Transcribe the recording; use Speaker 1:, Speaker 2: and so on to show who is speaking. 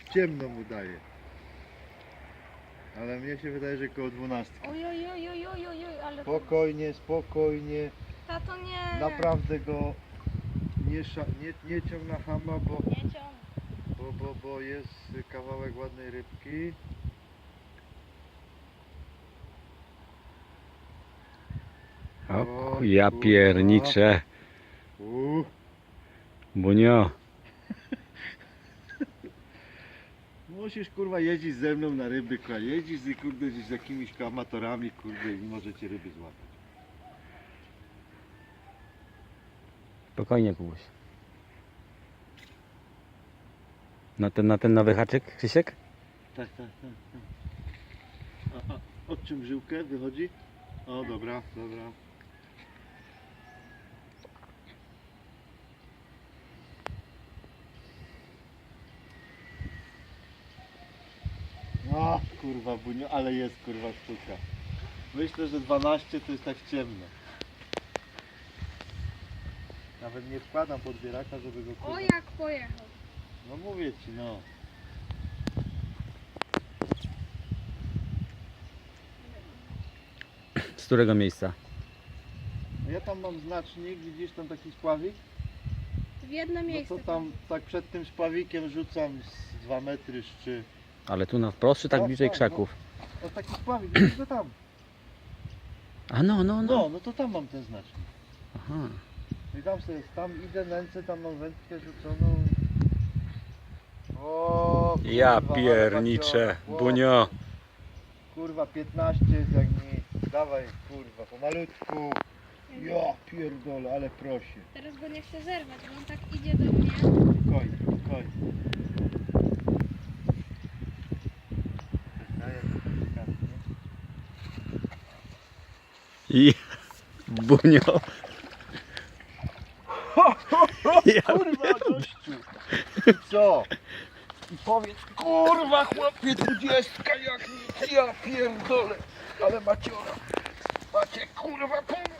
Speaker 1: ciemno mu daje. Ale mnie się wydaje, że koło 12.
Speaker 2: Oj, oj, oj, oj, oj, oj, oj, ale...
Speaker 1: Spokojnie, spokojnie.
Speaker 2: Tato, nie.
Speaker 1: Naprawdę go nie ciąg na hama,
Speaker 2: Nie ciągnę.
Speaker 1: bo jest kawałek ładnej rybki.
Speaker 3: O, ja pierniczę. Bunio.
Speaker 1: Musisz kurwa jeździć ze mną na ryby, jeździsz kurde z jakimiś amatorami, kurde, i możecie ryby złapać.
Speaker 3: Spokojnie, Kubuś. Na ten nowy haczyk, Krzysiek?
Speaker 1: Tak. A od czym żyłkę wychodzi? O, dobra. O kurwa bunio, ale jest kurwa sztuka. Myślę, że 12 to jest tak ciemno. Nawet nie wkładam podbieraka, żeby go kurwa...
Speaker 2: O, jak pojechał.
Speaker 1: No mówię ci, no.
Speaker 3: Z którego miejsca?
Speaker 1: No ja tam mam znacznik, widzisz tam taki spławik?
Speaker 2: W jedno
Speaker 1: No
Speaker 2: miejsce.
Speaker 1: to tam tak przed tym spławikiem rzucam z 2 metry szczy.
Speaker 3: Ale tu na wprost, czy tak
Speaker 1: No,
Speaker 3: bliżej
Speaker 1: tak,
Speaker 3: krzaków?
Speaker 1: O taki spławik, widzisz go tam.
Speaker 3: A no.
Speaker 1: No to tam mam ten znacznik.
Speaker 3: Aha.
Speaker 1: I tam sobie, tam idę nęcę, tam mam wędkę rzuconą. O, kurwa,
Speaker 3: Ja
Speaker 1: ale
Speaker 3: pierniczę,
Speaker 1: maciora.
Speaker 3: Bunio.
Speaker 1: Kurwa 15 jest jak nic. Dawaj kurwa, pomalutku. Ja pierdolę, ale prosi.
Speaker 2: Teraz go nie chcę zerwać, bo on tak idzie do mnie.
Speaker 1: Spokojnie.
Speaker 3: I Bunio. Ja
Speaker 1: Kurwa gościu. I co? I powiedz, kurwa chłopie 20 jak nic, ja pierdolę. Ale maciora. Macie kurwa pół